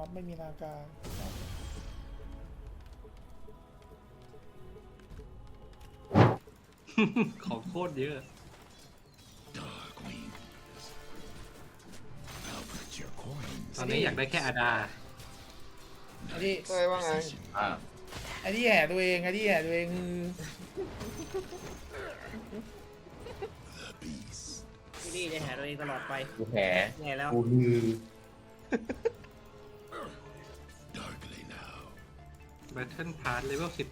ม็อบไม่มีนาคาของโคตรเยอะ ตอนนี้อยากได้แค่อาดาไอ้ที่เต้ยว่าไงอ่าไอ้ที่แห่ตัวเองไอ้ที่แห่ตัวเองคือที่นี่จะแห่ตัวเองตลอดไปกูแผลแห่แล้วกูลือ Battle Pass Level 14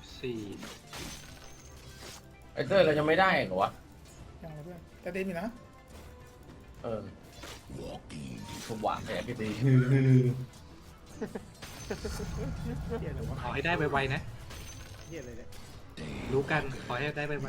ไอ้เต้ยเราจะไม่ได้เหรอวะอย่างไรเพื่อนแต่เดมีนะเออผมหวังแผลพี่ตีเหี้ยอะไรวะขอให้ได้ไวๆนะเหี้ยอะไรเนี่ยรู้กัน ขอให้ได้ไว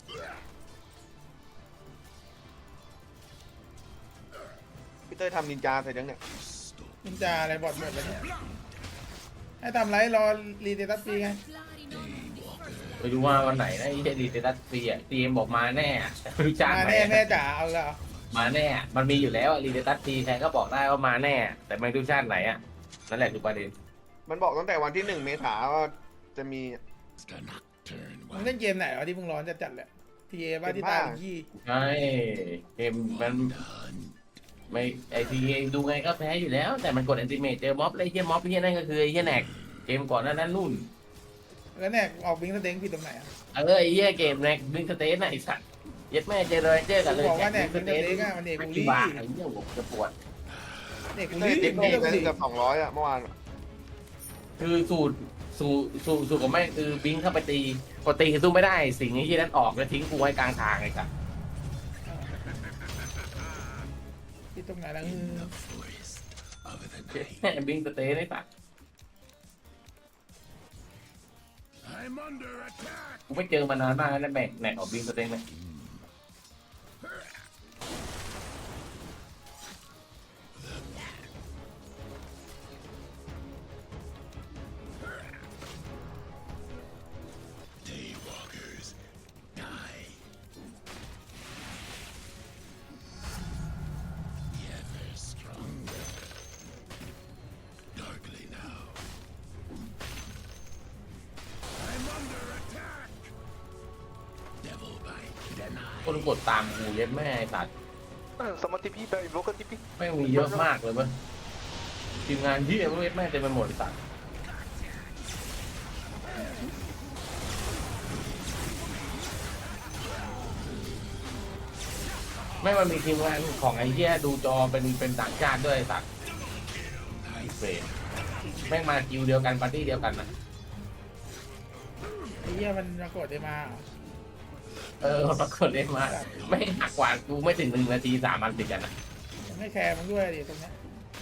พี่เต้ยทำนินจาเสร็จยังเนี่ยนินจาอะไรบอดหมดแล้วเนี่ยให้ทำไรรอรีเดตัสฟรีไงไปดูว่าวันไหนนะไอ้เจดีเตตัสฟรีอ่ะทีมบอกมาแน่แต่ไม่รู้จ้างมาไหนแน่แม่จ๋าเอาแล้วมาแน่ มันมีอยู่แล้วรีเตตัสฟรีใครก็บอกได้ว่ามาแน่ แต่ไม่รู้ชาติไหนอ่ะนั่นแหละคือประเด็นมันบอกตั้งแต่วันที่1 เมษาว่าจะมีมึงเล่นเกมไหนวะที่มึงร้อนจัดๆเลยทีเอบ้าที่ตายอีกที่ใช่เกมมันไม่ไอทีดูไงก็แพ้อยู่แล้ว แต่มันกดแอนติเมตเจอม็อบเลยไอ้เฮียม็อบเฮียนั่นก็คือไอ้เฮียแนกเกมก่อนหนั้นนู่นแล้วเนี่ยออกบิงสเต็งผิดตรงไหนอ่ะไอ้เหี้ยเกมแน็กบิงสเตนน่ะไอ้สัตว์เย็ดแม่เจอเลยเจอกันเลยบอกว่าเนี่ยบิงสเตนบิงสเต็นอะมันเอกบุรีกี่บาทไอ้เหี้ยผมจะปวดเด็กพี่บุเต้รียติดหเด็นี้กไปบุรีเกือบ200อ่ะเมื่อวานคือสูตรของแม่งคือบิงเข้าไปตีพอตีสู้ไม่ได้สิ่งไอ้ที่นั้นออกแล้วทิ้งกูไว้กลางทางไอ้สัตว์ผิดตรงไหนล่ะเย็ดแม่บิงสเตนไอ้สัตว์กูไม่เจอมานานมากแล้วแม่งแหนกออกบิงสเตนเลยคนกดตามกูเย็ดแม่ไอ้สัตว์ Sama TP, invoker TP. แม่งมีเยอะมากเลยมั้ยทีมงานที่เย็ดแม่งเต็มไปหมดไอ้สัตว์แม่งมันมีทีมงานของไอ้เหี้ยดูจอเป็นต่างชาติด้วยไอ้สัตว์ไอ้เฟรมแม่งมาคิวเดียวกันปาร์ตี้เดียวกันนะไอ้เหี้ยมันปรากฏได้มาเหรอปรากฏเลยมาไม่หักกว่ากูไม่ถึง1 นาที3 อันติดกันนะมันไม่แคร์มึงด้วยดิตรงเนี้ย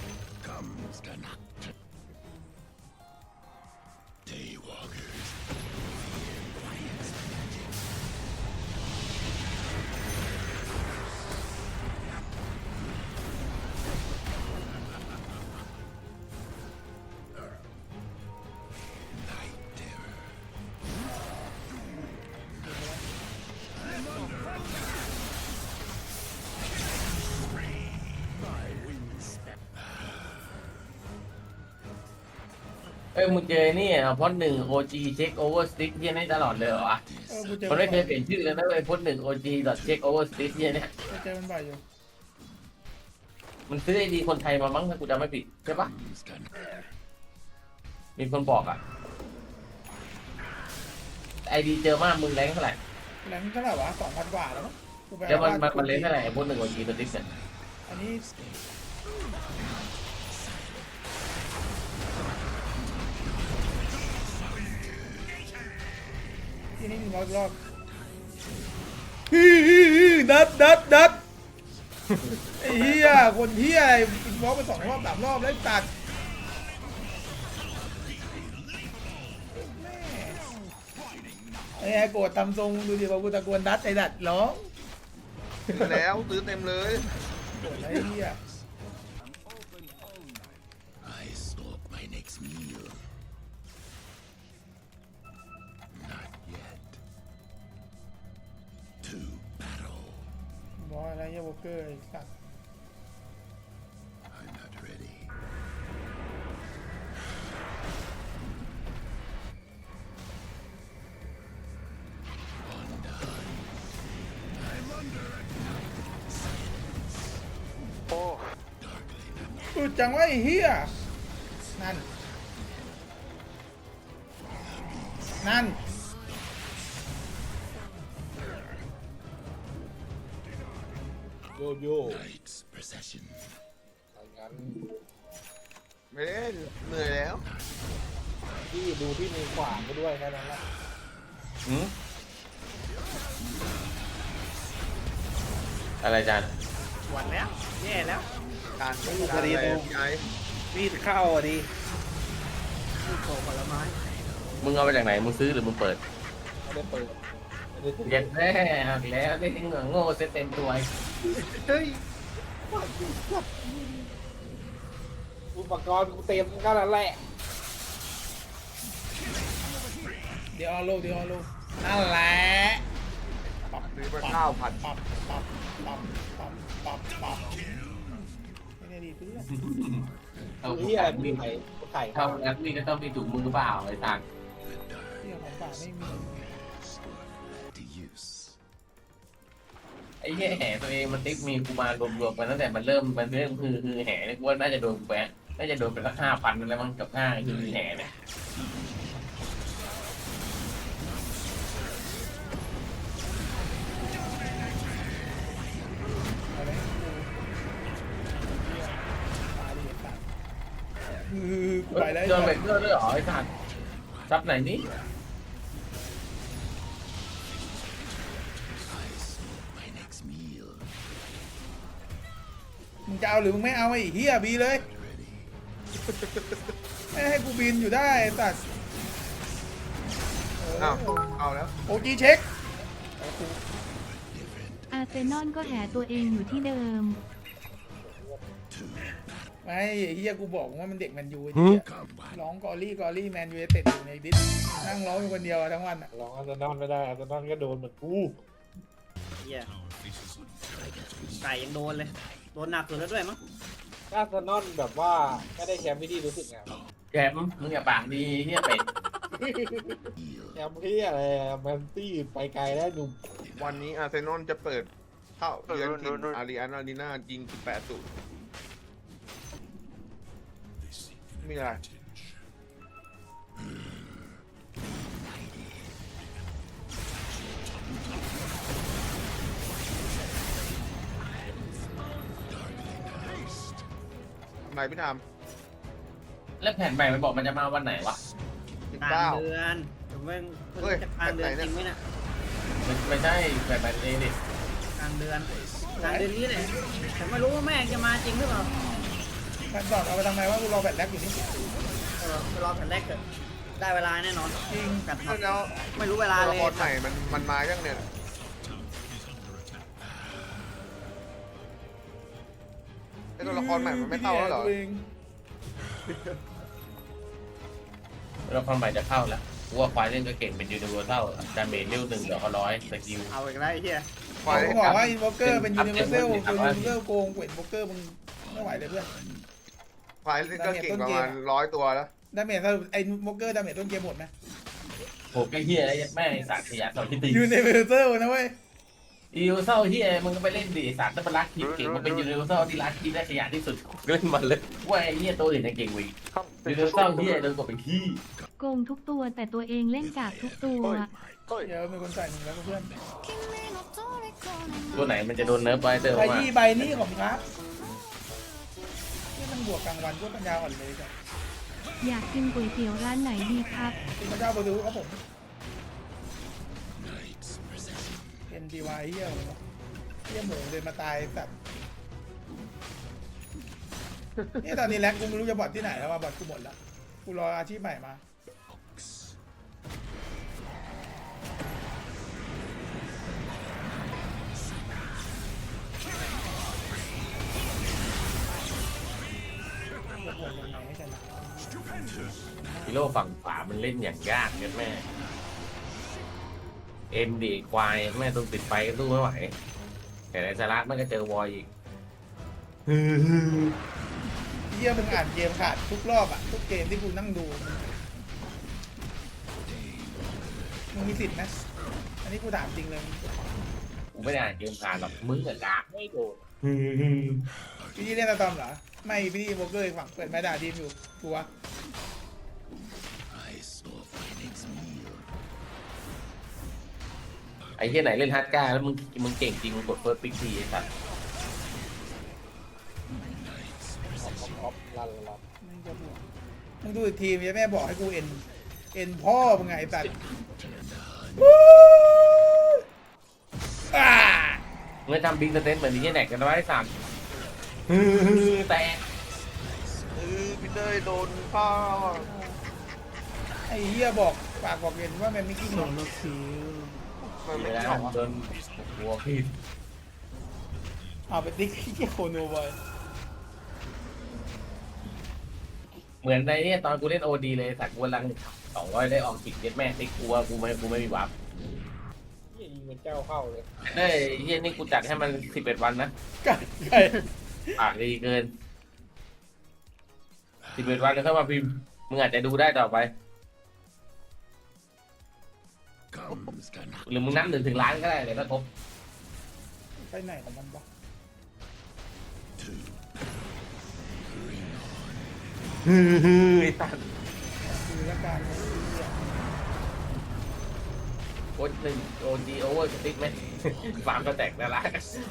มึงเจอนี่พอด1 OG เช็คโอเวอร์สติ๊กเหี้ยนี่ตลอดเลยเหรอวะกูเจอมันไม่เคยเปลี่ยนชื่อเลยนะเว้ยพอด1 OG check over stick เหี้ยเนี่ยกูเจอมันบ่อยอยู่มันซื้อไอดีคนไทยมามั้งถ้ากูจำไม่ผิดใช่ปะมีคนบอกอ่ะไอดีเจอมากมึงแรงเท่าไหร่แรงเท่าไหร่วะ2,000 กว่าแล้วมั้งกูไปเดี๋ยวเอามันเล่นเท่าไหร่พอด1 OG stick เนี่ยอันนี้ที่นี่100 รอบดัดไอ้เหี้ยคนเหี้ยบล็อกไป2 รอบ 3 รอบแล้วตัดไอ้ไอ้โกรธทำทรงดูดิว่ากูตะโกนดัดไอ้ดัดร้องซื้อแล้วซื้อเต็มเลยโกรธไอ้เหี้ย บอยอะไรเหี้ยวอลเกอร์ไอ้สัตว์สุดจังวะไอ้เฮียนั่นนั่นโยโย่ไม่ได้เหนื่อยแล้วพี่ดูที่มือขวาก็ด้วยแค่นั้นแหละหืมอะไรจานหวัดแล้วแย่แล้วการอะไรพี่ไอ้มีดเข้าอ่ะดิมีดโผล่ผลไม้มึงเอามาจากไหนมึงซื้อหรือมึงเปิดไม่ได้เปิดไม่ได้ติดเย็ดแน่หักแล้วได้ถึงโง่เซตเต็มตัวเฮ้ยอุปกรณ์กูเต็มก็แล้วแหละเดี๋ยวเอาโลเดี๋ยวเอาโลนั่นแหละซื้อมาข้าวผัดปับปับปับปับปับปับไม่ได้ดีเพื่อนเอานี่อะไรมีไข่ไข่เข้าแล้วนี่ก็ต้องมีถุงมือเปล่าไอ้ต่างเรื่องของป่าไม่มีไอ้เหี้ยแห่ตัวเองมันติ๊กมีกูมารวมๆกันตั้งแต่มันเริ่มคือแห่เนี่ยกูว่าน่าจะโดนแปะน่าจะโดนไปสัก5,000แล้วมั้งกับคือแห่เนี่ยเอาเลยตายดิสัตว์กูไปแล้วโดนเบรกเกอร์ด้วยเหรอไอ้สัตว์ซับไหนนี่มึงจะเอาหรือมึงไม่เอาไอ้เฮียบีเลยไม่ให้กูบินอยู่ได้ไอ้สัตว์อ้าวเอาแล้วโอจีเช็คอาร์เซนอลก็แหตัวเองอยู่ที่เดิมไม่ไอ้เฮียกูบอกว่ามันเด็กแมนยูไอ้เฮียร้องกอรี่แมนยูเต็ดอยู่ในดิสนั่งร้องอยู่คนเดียวอะทั้งวันอะลองอาร์เซนอลไม่ได้อาร์เซนอลก็โดนเหมือนกูเหี้ยไก่ยังโดนเลยโดนหนักสุดแล้วด้วยมั้งอาร์เซนอลแบบว่าไม่ได้แชมป์ที่ดีรู้สึกไงแกมึงอย่าปากดีเหี้ยเป็ดแชมป์ที่อะไรแมนตี้ไปไกลแล้วหนุ่มวันนี้อาร์เซนอลจะเปิดเข้าเยือนถิ่นอารีอันอารีนายิง18-0มีอะไรทำไมพี่ทแล้วแผ่นใหม่มันบอกมันจะมาวันไหนวะำกลาง 19 เดือนผมว่าเฮ้ยจะกลางเดือนแบบไหนจเนี่ยริงไหมเนี่ยไม่ใช่แผ่นใหม่เองดิกลางเดือนนี้แหละผมไม่รู้ว่าแม่งจะมาจริงหรือเปล่าแฟนบอกเอาไปทำไมว่ากูรอแบตแรกอยู่นี่ไปรอแผ่นแรกเกิดได้เวลาแน่นอนจริงกัดครับแล้วไม่รู้เวลาตัวเลละยครใหม่มันมายังเนี่ยไอ้ตัวละครใหม่มันไม่เข้าแล้วเหรอแล้วความใหม่จะเข้าแล้วกูว่าควายเล่นก็เก่งเป็นยูนิเวอร์แซลดาเมจเร็ว1 เดี๋ยวเขา100สกิลเอาอีกแล้วไอ้เหี้ยควายเขาบอกว่าอินวอลเกอร์เป็นอัยูพนิเดเวอตร์แซลมันเป็นยูนิเวอร์โกงเวทวอลเกอร์มึงไม่ไหวเลยเพื่อนควายเล่นก็เก่งประมาณ100 ตัวแล้วดาเมจสรุปไอ้วอลเกอร์ดาเมจต้นเกมหมดไหมโหไอ้เหี้ยไอ้แม่งสัตว์ขยะต่อที่ตียูนิเวอร์แซลนะเว้ยยูนิเวอร์แซลเหี้ยมึงก็ไปเล่นดิสัตว์ถ้ามันรักคิดเก่งมันเป็นยูนิเวอร์แซลที่รักคิดได้ขยะที่สุดเล่นมันเลยว่าไอ้เหี้ยตัวอื่นยังเก่งกว่าอีกยูนิเวอร์แซลเหี้ยโดนกดเป็นขี้โกงทุกตัวแต่ตัวเองเล่นกากทุกตัวเฮ้ยเดี๋ยวมีคนใส่หนึ่งแล้วเพื่อนตัวไหนมันจะโดนเนิร์ฟไปเติมใบมายี่ใบนี่ของครับที่มันบวกกลางวันก็ปัญญาอ่อนเลยจ้ะอยากกินก๋วยเตี๋ยวร้านไหนดีครับคุณพระเจ้าประดูครับผมเป็นดีวายเฮี้ยเลยเนาะเฮี้ยหมูเดินมาตายสัตว์นี่ตอนนี้แล็กกูไม่รู้จะบอดที่ไหนแล้วว่าบอดกูหมดแล้วกูรออาชีพใหม่มาให้ชนะฮีโร่ฝั่งขวามันเล่นอย่างยากเนี่ยแม่เอ็มดีควายแม่ต้องติดไฟก็สู้ไม่ไหวแต่ในสาระมันก็เจอวอยอีกเฮี้ยมึงอ่านเกมขาดทุกรอบอะทุกเกมที่กูนั่งดูมึงมีสิทธิ์ไหมอันนี้กูถามจริงเลยกูไม่ได้อ่านเกมผ่านหรอกมึงกับกากไม่โดนพี่เล่นตะตอมเหรอไม่พี่โบเกอร์อีกฝั่งเปิดแม่ด่าทีมอยู่ตัวไอ้เหี้ยไหนเล่นฮาร์ดก้าแล้วมึงเก่งจริงมึงกดเฟิร์สปิ๊กทีไอ้สัตว์ออฟลันมึงดูอีกทีมแม่บอกให้กูเอ็นพ่อมึงไงไอ้สัตว์อ่ามึงจะทำบิ๊กสเตนเหมือนไอ้เหี้ยแหนกกันไว้สั่งแต่พี่เต้ยโดนพ่อไอ้เหี้ยบอกปากบอกเอ็นว่ามันไม่กิ้งหรอกมันไม่เดี๋ยวชอนะบโดนหัวพี่เอาไปติ๊กเหี้ยโคโนบอยเหมือนในเนี่ยตอนกูเล่นโอดีเลยสัตว์กูกำลัง200ได้ออกจิกเย็ดแม่ติ๊กกลัวกูไม่มีวับยิงเป็นเจ้าเข้าเลยเฮ้ยเหี้ยนี่กูจัดให้มัน11 วันนะไก่ปากดีเกิน11 วันแล้วเข้ามาพิมพ์มึงอาจจะดูได้ต่อไปหรือมึงนับ1 ถึงล้านก็ได้เดี๋ยวก็ครบไปไหนของมันวะไอ้ตันคือละการของไอ้เหี้ยโค้ด1 OGโอเวอร์สติ๊กไหม ฟาร์มก็แตกแล้วล่ะ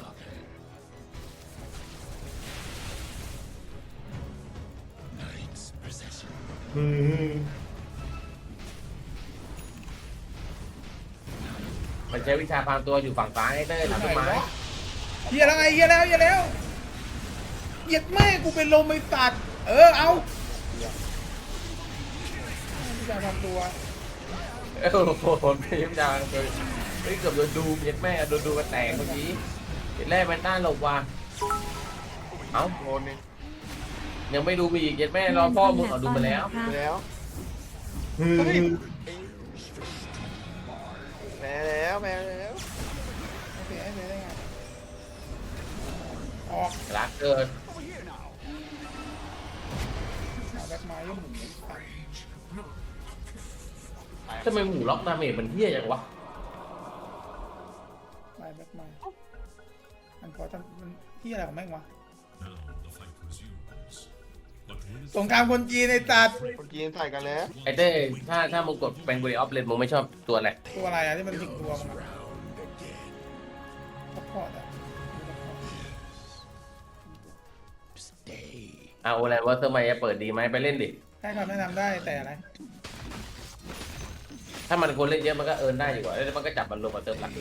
มันใช้วิชาพรางตัวอยู่ฝั่งซ้ายเต้ยหลังต้นไม้เหี้ยแล้วไงเหี้ยแล้วเหยียดแม่กูเป็นลมไอ้สัตว์เอาพี่จะทำตัวโอ้โหพิมพ์ดังเลยเฮ้ยเกือบโดนดูเย็ดแม่โดนดูกันแตกเมื่อกี้เย็ดแรกแมนต้าหลบว่ะเอ้าโดนนี่ยังไม่ดูมีอีกเย็ดแม่รอพ่อมึงเอาดูมาแล้วไปแล้วแพ้แล้วแพ้แล้วโอเคไอ้เลยได้ไงออกรักเกินเอาแบ็คไม้ยังหมุนไอ้สัตว์ทำไมหมูล็อกดาเมจมันเที่ยจังวะไม้แบ็คไม้มันพอทำมันที่อะไรของแม่งวะสงครามคนจีนในตัดคนจีนถ่ายกันแล้วไอ้เต้ถ้ามึงกดเป็นบริออฟเลนมึงไม่ชอบตัวอะไรตัวอะไรอะที่มันถึงตัวมันซัพพอร์ตอะเอาอะไรวะเซอร์ไมจะเปิดดีไหมไปเล่นดิให้คำแนะนำได้แต่อะไรถ้ามันคนเล่นเยอะมันก็เอิร์นได้อยู่กว่าแล้วมันก็จับมันรวมกับเติมหลัก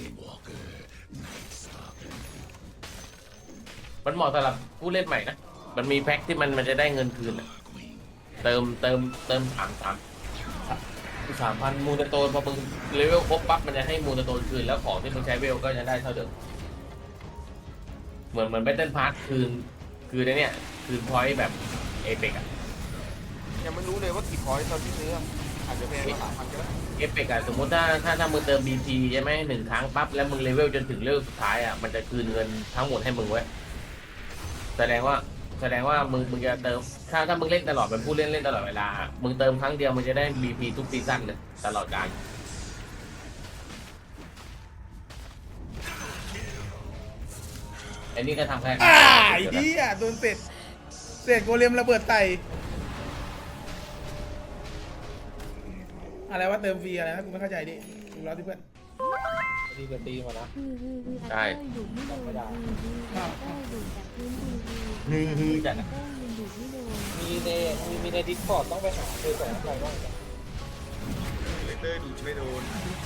มันเหมาะสำหรับผู้เล่นใหม่นะมันมีแพ็คที่มันจะได้เงินคืนอะเติม3,000มูลโตนพอมึงเลเวลครบปั๊บมันจะให้มูลโตนคืนแล้วของที่มึงใช้เวลก็จะได้เท่าเดิมเหมือนแบตเทิลพาร์ทคืนเนี่ยคืนพอยต์แบบเอเปกอะยังไม่รู้เลยว่ากี่พอยต์ตอนที่ซื้ออาจจะแพงกว่า3,000ก็ได้เอฟเฟกต์อะสมมติถ้ามึงเติม BT ใช่ไหม1 ครั้งปั๊บแล้วมึงเลเวลจนถึงเลเวลสุดท้ายอะมันจะคืนเงินทั้งหมดให้มึงไว้แสดงว่ามึงจะเติมถ้ามึงเล่นตลอดเป็นผู้เล่นตลอดเวลามึงเติมครั้งเดียวมึงจะได้ BP ทุกซีซั่นเลยตลอดกาลไอ้นี่ก็ทำแค่ไอ้เหี้ยโดนเศษโกเลมระเบิดไตอะไรว่าเติมฟรีอะไรนะกูไม่เข้าใจดิดูแล้วที่เพื่อนดีจะตีมานะใช่ดูไม่โดนดูจากพื้นจัดนะดูไม่โดนมีในดิสคอร์ดต้องไปหาคือสอนอะไรบ้างเนี่ยเต้ยดูไม่โดน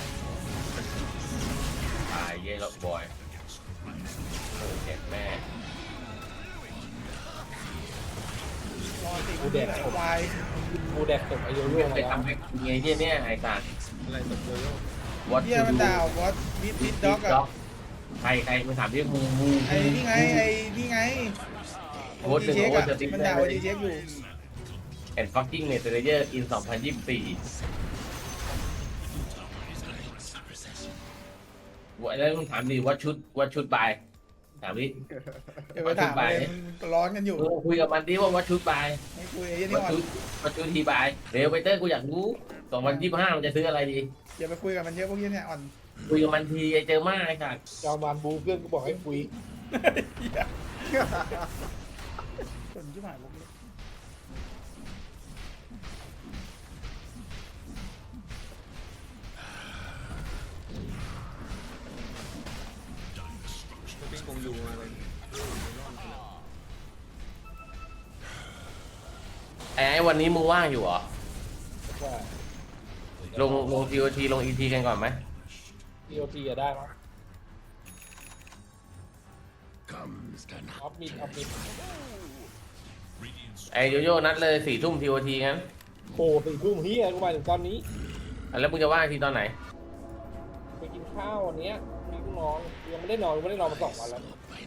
ตายเย่ล็อกบอยโอ้เจ็บแม่รอติกูเด็กควายกูแดกตกอายุร่วงไปแล้วทำไอ้เนี่ยไอ้ตาอะไรตกเลยวัดเหี้ยมันด่าวอตวิดด็อกอะใครมึงถามที่มูไอ้นี่ไงโอจีเช็คอะมันด่าโอจีเช็คอยู่แอนด์ฟักกิ้งเนเธอร์เยอร์อิน 2024แล้วมึงถามดิว่าชุดบายถามดิเดี๋ยวไปถามเลยมันร้อนกันอยู่คุยกับมันดิว่าชุดบายไม่คุยไอ้นี่ก่อนว่าชุดทีบายเร็วไปเตอร์กูอยากรู้2025มันจะซื้ออะไรดีอย่าไปคุยกับมันเยอะพวกนี้เนี่ยอ่อนคุยกับมันทีไอเจอมากไอ้สัสจอมานบูเพื่อนกูบอกให้คุยส่วนที่หมายพวกนี้ปิ้งคงอยู่อะไรไอ้วันนี้มึงว่างอยู่เหรอว่าลง TOT ลง ET กันก่อนไหม TOT จะได้มั้ยออฟมิดไอ้โยโย่นัดเลย4 ทุ่ม TOT งั้นโอ้ถึงทุ่มเฮียกูมาถึงตอนนี้แล้วมึงจะว่างทีตอนไหนไปกินข้าววันเนี้ยมีลูกน้องยังไม่ได้นอนมา2 วันแล้ว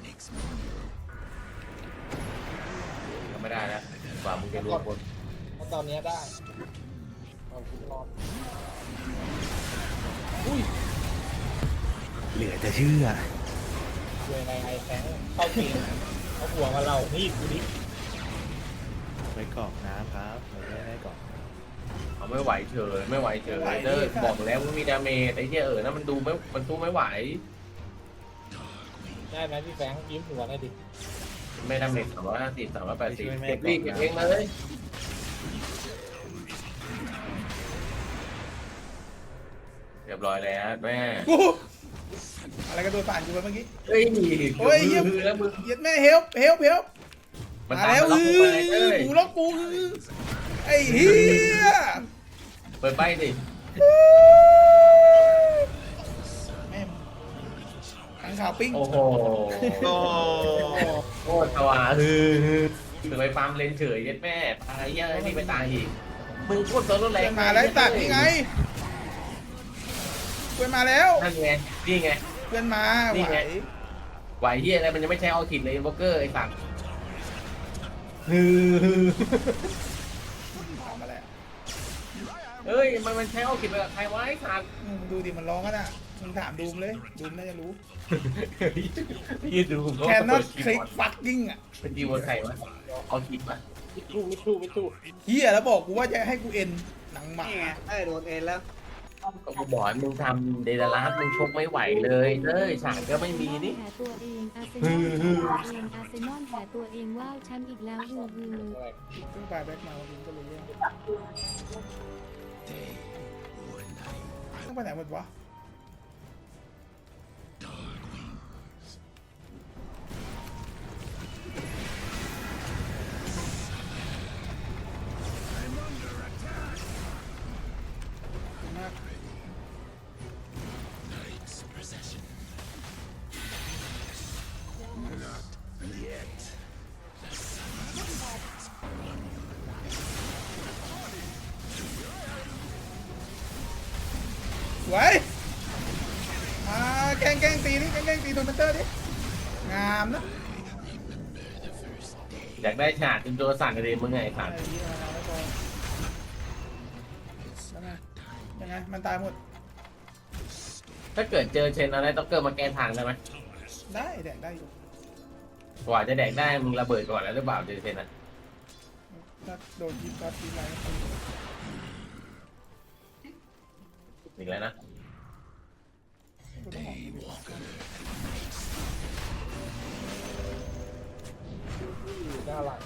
ก็ไม่ได้แล้วกว่ามึงจะรวมคนเพราะตอนเนี้ยได้ตอนคุณนอนอุ้ยเหลือจะเชื่อเวลาไอ้แสงเข้าเกมเอาหัวมาเรานี่กูดิไว้กรอกน้ำครับไม่ได้กรอกเอาไม่ไหวเฉยไม่ไหวเฉยเด้อบอกแล้วว่ามีดาเมจไอ้เหี้ยนั่นมันสู้ไม่ไหวได้ไหมพี่แฟงยิ้มหัวหน่อยดิไม่ดาเมจ350 380เก็บรีบเก็บเองเลยเรียบร้อยแล้วแม่กูอะไรก็โดนผ่านกูไปเมื่อกี้เฮ้ยโอ้ยเหี้ยแล้วมึงเหี้ยแม่เฮลป์มันมาตามแล้วมาล็อกกูไปเลยกูล็อกกูไอ้เหี้ยเปิดไปสิแม่งขังข่าวปิ้งโอ้โหโอ้โคตรสว่างถึงไปฟาร์มเลนเฉยเย็ดแม่ตายเยอะนี่ไปตายอีกมึงโคตรตัวรุนแรเพื่อง นมาแล้วไอ้สัตว์นี่ไงเพื่อนมาแล้วนั่นไงนี่ไงเพื่อนมานี่ไหวไง ไหวเฮียอะไรมันยังไม่ใช้เอาขิดเลยบล็อกเกอร์ไอ้สัตว์ถามมาแล้วเฮ้ยมันใช้เอาขิดไปกับใครวะไอ้สัตว์มึงดูดิมันร้องกันอ่ะมึงถามดูมเลยดูมน่าจะรู้ยืดดูแคนนอตคลิกฟักกิ้งอ่ะเป็นจีวอนใครวะเอาขิดมามิทูเฮียแล้วบอกกูว่าจะให้กูเอ็นหนังหมานี่ไงได้โดนเอ็นแล้วก็กูบอกให้มึงทำเดลาร์มึงชกไม่ไหวเลยเอ้ยฉากก็ไม่มีนี่แผลตัวเองอาร์เซนอลแผลตัวเองอาร์เซนอลแผลตัวเองว้าวแชมป์อีกแล้วฮืออะไรเพิ่งไปแบ็คมาวันนี้ก็เลยเรื่องต้องไปไหนหมดวะมากไว้แกล้งตีนี่แกล้งตีโทนเมนเตอร์ดิงามนะอยากได้ฉากจนตัวสั่นเลยมึงไงไอ้สัตว์ไอ้เหี้ยมาแล้วพอยังไงมันตายหมดถ้าเกิดเจอเชนอะไรต้องเกิดมาแก้ทางได้ไหมได้แดกได้อยู่กว่าจะแดกได้มึงระเบิดก่อนแล้วหรือเปล่าเจอเชนอ่ะถ้าโดนยิงก็ทีไรก็ตีอีกแล้วนะกูต้องออกดีอยู่หน้าหลัง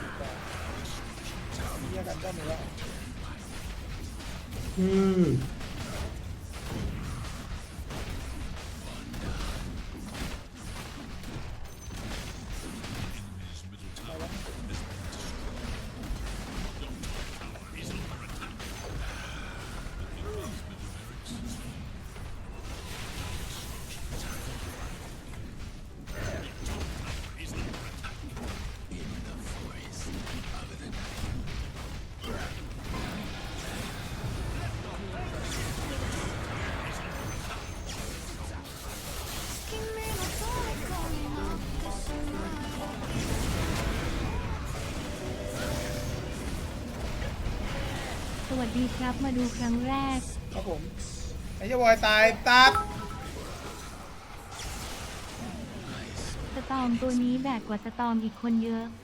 เหี้ยกันก็มีแล้วสวัสดีครับมาดูครั้งแรกครับผมไอ้เจ้าบอยตายตัดสตอมตัวนี้แบกกว่าสตอมอีกคนเยอะ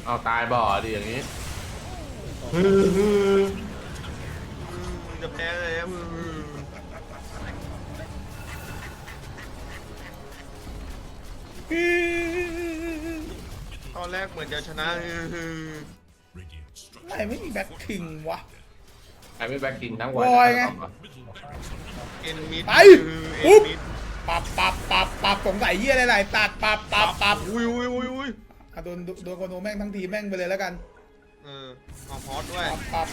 เอาตายบ่อดิอย่างนี้จะแพ้เลยอะตอนแรกเหมือนจะชนะไม่มีแบ็คคิงวะไอ้ไม่แบ็คกินทั้งวันบอยไงเอ็นมิดไปเอ็ปุ๊นบมิดปับสงสัยเหี้ยอะไรตัดปับอุ้ยอ่ะโดนโคโนแม่งทั้งทีแม่งไปเลยแล้วกันเอาฮอตด้วยปับ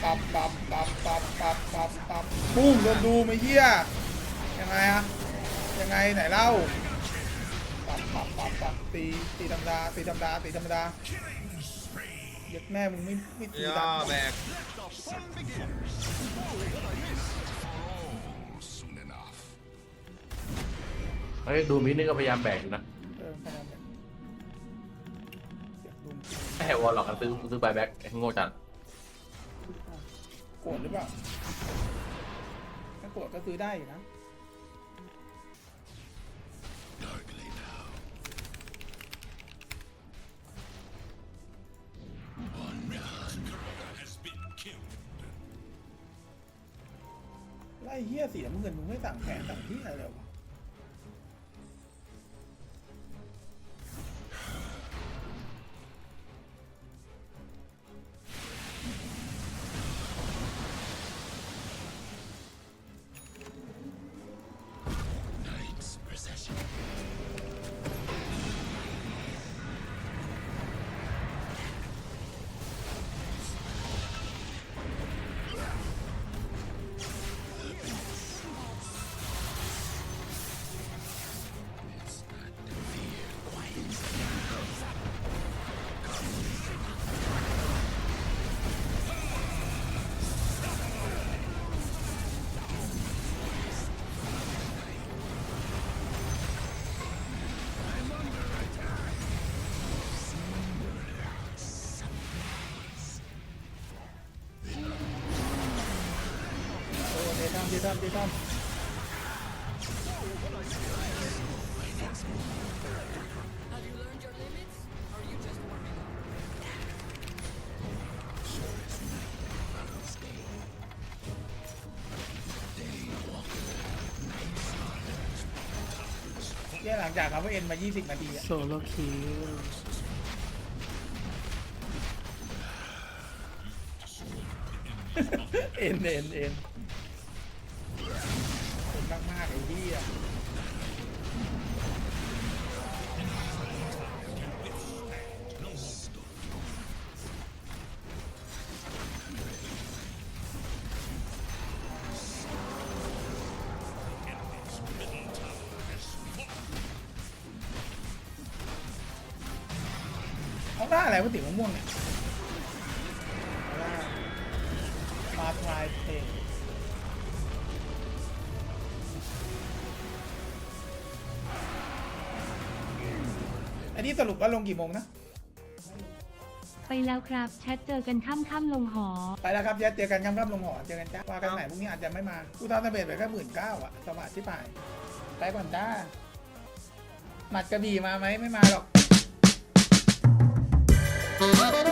ปุ้งโดนดูไม่เหี้ยยังไงอะยังไงไหนเล่าปับตีธรรมดาเย็ดแม่มึงไม่ตีย่ดัอน แบกเฮ้ยดูมินี่ก็พยายามแบกอยู่นะพยายามแบบเสียบดุมไม่ให้วอลหรอกกันซื้อใบแบ็กโง่จังโกรธหรือเปล่าถ้าโกรธก็ซื้อได้อยู่นะไล่เหี้ยสีน้ำเงินมึงไม่สั่งแผนสั่งที่อะไรเลยวะเดทัมหลังจากเขาเอ็นมา20 นาทีอะโซโลคิวเอ็นมากไอ้ที่อะเอาหน้าอะไรวะสีม่วงเนี่ยมาทายเพลงอันนี้สรุปว่าลงกี่โมงนะไปแล้วครับแชทเจอกันค่ำลงหอไปแล้วครับเจอกันครับลงหอเจอกันจ้าว่ากันไหนพรุ่งนี้อาจจะไม่มากูทำสำเร็จไปแค่19,000อ่ะสวัสดิ์ที่ป่ายไปก่อนจ้าหมัดกระบี่มาไหมไม่มาหรอก